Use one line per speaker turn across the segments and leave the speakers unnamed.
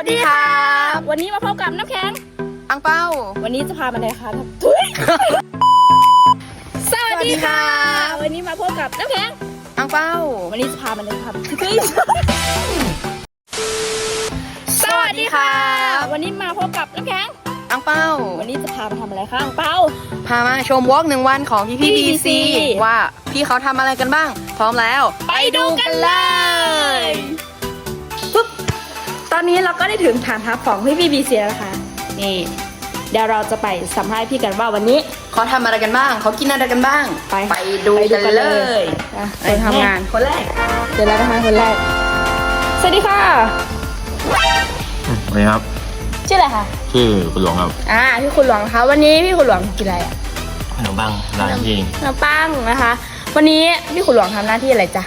ดีครับ
วันนี้มาพบกับน้ำแข็ง
อังเป้า
วันนี้จะพามาไหนคะสวัสดีค่ะวันนี้มาพบกับน้ำแข็ง
อังเป้า
วันนี้จะพามาไหนครับสวัสดีค่ะวันนี้มาพบกับน้ำแข็ง
อังเป้า
วันนี้จะพามาทำอะไรคะอังเป้า
พามาชมวอล์ก1 วันของพี่BCว่าพี่เขาทำอะไรกันบ้างพร้อมแล้ว
ไปดูกันเลยตอนนี้เราก็ได้ถึงฐานทัพของพี่BCแล้วนะคะนี่เดี๋ยวเราจะไปสัมภาษณ์พี่กันว่าวันนี้
เขาทำอะไรกันบ้างเขากินอะไรกันบ้างไปดูกันเลย
ไปทำงาน
คนแรก
เดี๋ยวเรานะคะคนแรกสวัสดีค่ะ
สวัสดีครับ
ชื่ออะไรคะ
ชื่อคุณหลวงครับ
พี่คุณหลวงนะคะวันนี้พี่คุณหลวงกินอะไร
ขนมปังร้านที่
ขนมปังนะคะวันนี้พี่คุณหลวงทำหน้าที่อะไรจ๊ะ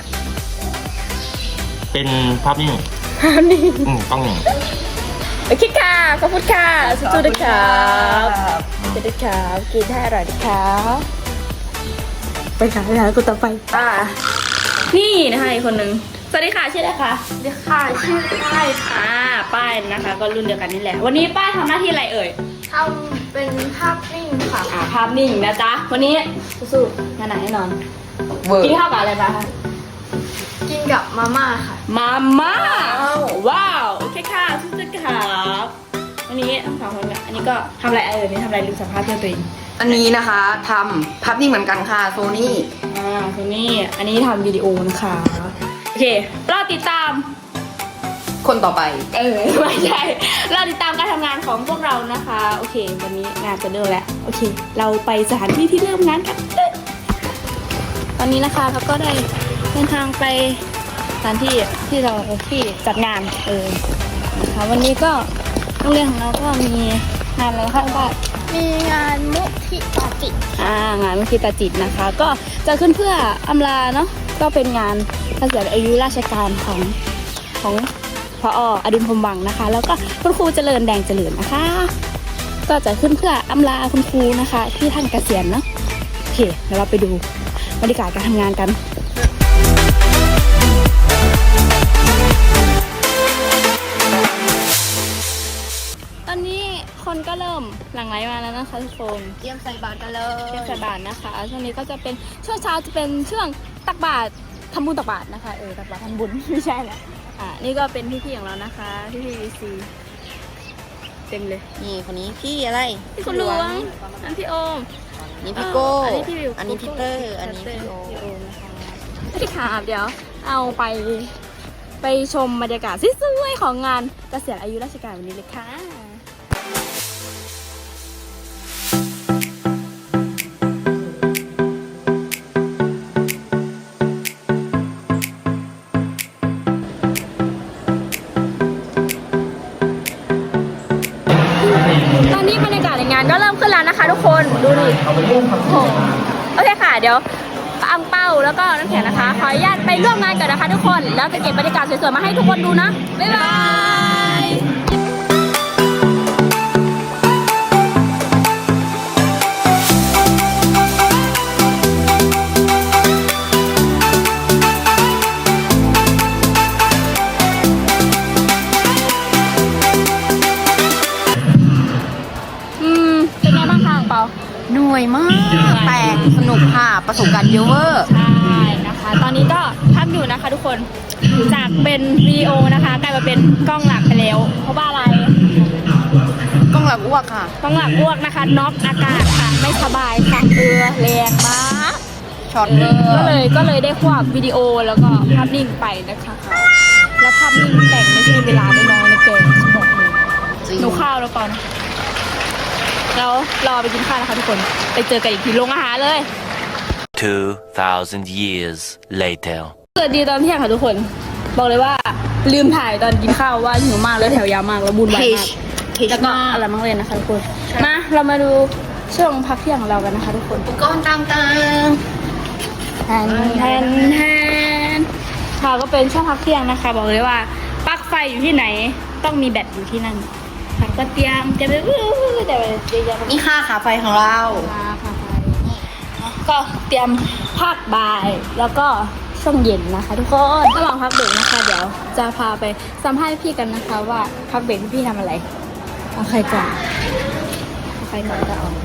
เป็นภาพนิ่งต้องหนึ่ง
โอเคค่ะขอบคุณค่ะสู้ๆนะครับสู้ๆนะครับกินให้อร่อยนะครับไปค่ะไปหาคนต่อไปนี่นะคะอีกคนนึงสวัสดีค่ะชื่ออะไรคะ
สวัสดีค่ะชื่อป้ายค่ะ
ป้ายนะคะก็รุ่นเดียวกันนี่แหละวันนี้ป้ายทำหน้าที่อะไรเอ่ย
ทำเป็นภาพนิ่งค่ะ
ภาพนิ่งนะจ๊ะวันนี้สู้ๆงานไหนแน่นอนกินข้าวกับอะไรมาคะ
กินกับมาม่าค่ะ
มาม่าว้าวโอเคค่ะสู้ๆครับวันนี้ทั้งสองคนอันนี้ก็ทำอะไรนี่ทำอะไรลืมสัมภาษณ์เพื่อนตัวเอง
อันนี้นะคะทำภาพนิ่งเหมือนกันค่ะโซนี่
โซนี่อันนี้ทำวิดีโอนะคะโอเครอติดตาม
คนต่อไป
ไม่ใช่รอติดตามการทำงานของพวกเรานะคะโอเควันนี้งานจะเริ่มแล้วโอเคเราไปสถานที่ที่เริ่มงานกันตอนนี้นะคะเราก็ได้เดินทางไปสถานที่ที่เราที่จัดงานนะคะวันนี้ก็โรงเรียนของเราก็มีงานอะไรคะบ้าง
มีงานมุทิตาจิต
งานมุทิตาจิตนะคะก็จะขึ้นเพื่ออำลาเนาะก็เป็นงานเกษียณอายุราชการของพออดุลพรหมวังนะคะแล้วก็คุณครูเจริญแดงเจริญนะคะก็จะขึ้นเพื่ออำลาคุณครูนะคะที่ท่านเกษียณเนาะโอเคเดี๋ยวเราไปดูบรรยากาศการทำงานกันตอนนี้คนก็เริ่มหลั่งไหลมาแล้วนะคะทุกคน
เตรียมใส่บาตรกันเลย
เตรียมใส่บาตรนะคะช่วงนี้ก็จะเป็นช่วงเช้าจะเป็นช่วงตักบาตรทำบุญตักบาตรนะคะตักบาตรทำบุญไม่ใช่แหละนี่ก็เป็นพี่ๆของเรานะคะพี่BCเต็มเลย
นี่คนนี้พี่อะไร
พี่คุณหลวงอันพี่โอม
นี่พี่โก้
อันนี้พี่วิว
อันนี้พี่เตอร์อันนี้พี่โอม
นะคะพี่ขาเดี๋ยวเอาไปชมบรรยากาศสวยๆของงานเกษียณอายุราชการวันนี้เลยค่ะตอนนี้บรรยากาศในงานก็เริ่มขึ้นแล้วนะคะทุกคนดูดิโอเคค่ะเดี๋ยวอังเป้าแล้วก็น้ำแข็งนะคะขออนุญาตไปร่วมงานกันนะคะทุกคนแล้วจะเก็บบรรยากาศสวยๆมาให้ทุกคนดูนะบ๊ายบายเป็นไงบ้างคะอังเปา
หน่วยมากแต่สนุกค่ะประสบการณ์เยอะเวอร์
ใช่นะคะตอนนี้ก็พักอยู่นะคะทุกคนจากเป็นวิดีโอนะคะกลายมาเป็นกล้องหลักไปแล้วเพราะว่าอะไร
กล้องหลักอ้วกค่ะ
กล้องหลักอ้วกนะคะน็อกอากาศค่ะไม่สบายค่ะแรงมาก
ช็อต
ก็เลยได้ควบวิดีโอแล้วก็ภาพนิ่งไปนะคะแล้วภาพนิ่งแต่งไม่ใช่เวลาไม่น้อยนะเกิน16 โมงหนูข้าวแล้วก่อนแล้วรอไปกินข้าวนะคะทุกคนไปเจอกันอีกทีโรงอาหารเลย
2,000 years later
เกิดดีตอนเที่ยงค่ะทุกคนบอกเลยว่าลืมถ่ายตอนกินข้าวว่าหิวมากแล้วแถวยาวมากแล้วบุญวายมากแล้วก็อะไรมั่งเลยนะคะทุกคนมาเรามาดูช่วงพักเที่ยงของเรากันนะคะทุกคน
ก้อนต่าง
ๆแทนค่ะก็เป็นช่วงพักเที่ยงนะคะบอกเลยว่าปลั๊กไฟอยู่ที่ไหนต้องมีแบตอยู่ที่นั่นก็เตรียมไป
นี่ค่าขาไฟของเรา
ก็เตรียมภาคบ่ายแล้วก็ช่วงเย็นนะคะ ทุกคนระหว่างพักเบรกนะคะ เดี๋ยวจะพาไปสัมภาษณ์พี่กันนะคะ ว่าพักเบรกพี่ทำอะไรเอาใครก่อนเอาใครก่อนก็เอา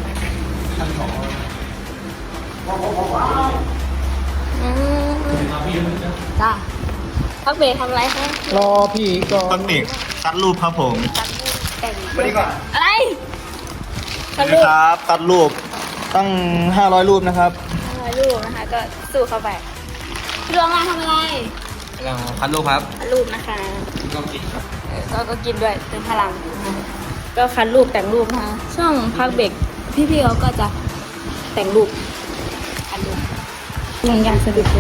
จ้าพักเบรกทำอะไรคะ
รอพี่ก่อน
ต้นเด็กตัดรูปครับผม
แต่ง
ไปดีกว่า
อะไร
สวัสดีครับ ตัดรูปตั้ง 500 รูปนะครับ
ลูกนะคะ ก็สู้เข้าไปพี่ดวงงานทำอะไร
กำลังพัดรูปครับ
คัดรูปนะคะ
ก็กินครับ
ก็กินด้วยเติมพลังนะคะก็คัดรูปแต่งรูปนะคะช่วงพักเบรกพี่ๆเขาก็จะแต่งรูปคัดรูปอย่างสะดุดเลย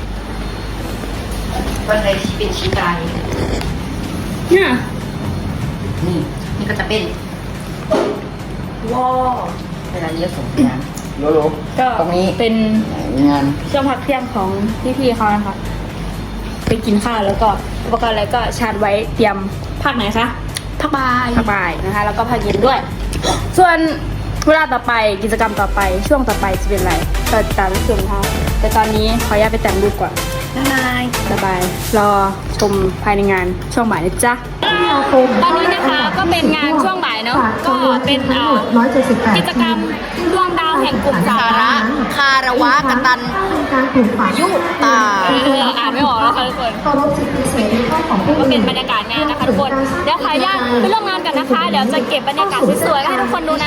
วันใดที่เป็นชิ้นใด
เนี่ย
นี่ก็จะเป็นว้าวเวลาเลี้ยวส่งงาน
โลโล
ก็
ตรงนี้
เป็น
งาน
ช่วงพักเที่ยงของพี่ๆเขานะคะไปกินข้าวแล้วก็อุปกรณ์อะไรก็ชาร์จไว้เตรียมภาคไหนคะ
พักบาย
ภาคบ่ายนะคะ แล้วก็ภาคเย็นด้วย ส่วนเวลาต่อไปกิจกรรมต่อไปช่วงต่อไปจะเป็นอะไรก็ติดตามชมนะคะแต่ตอนนี้ขออนุญาตไปแต่งรูปก่อน
นาย
สบายรอชมภายในงานช่วงบ่ายนะจ๊ะตอนนี้นะคะก็เป็นงานช่วงบ่ายเนาะก็เป็นกิจกรรมดวงดาวแห่งกลุ่มสา
สา
ระ
ระคารวะกตันยุตา
อ่านไม่ออกแล้วค่ะทุกคนก็เป็นบรรยากาศงานนะคะทุกคนเดี๋ยวขออนุญาตไปร่วมงานกันนะคะ เดี๋ยวจะเก็บบรรยากาศสวยๆให้ทุกคนดูนะ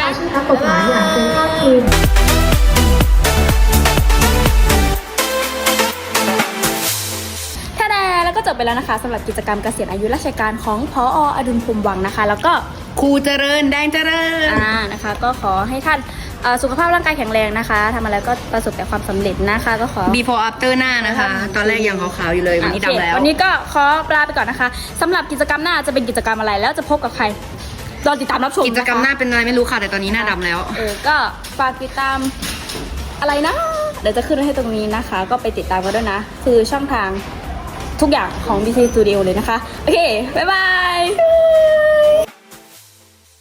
ท่าดาแล้วก็จบไปแล้วนะคะสำหรับกิจกรรมเกษียณอายุราชการของพออดุลพรหมวังนะคะ แล้วก็
ครูเจริญแดงเจริญ
นะคะ ก็ขอให้ท่านสุขภาพร่างกายแข็งแรงนะคะทำอะไรก็ประสบแต่ความสำเร็จนะคะก็ขอ
before after หน้านะคะ ตอนแรกยังขาวๆอยู่เลยวันนี้
โอเค
ดำแล้ว
วันนี้ก็ขอลาไปก่อนนะคะสำหรับกิจกรรมหน้าจะเป็นกิจกรรมอะไรแล้วจะพบกับใครรอติดตามรับชม
กิจกรรมหน้าเป็นอะไรไม่รู้ค่ะแต่ตอนนี้หน้าดำแล้ว
ก็ฝากติดตามอะไรนะ เดี๋ยวจะขึ้นไว้ให้ตรงนี้นะคะ ก็ไปติดตามกันด้วยนะ คือช่องทางทุกอย่างของ BC Studio เลยนะคะ โอเค บ๊ายบาย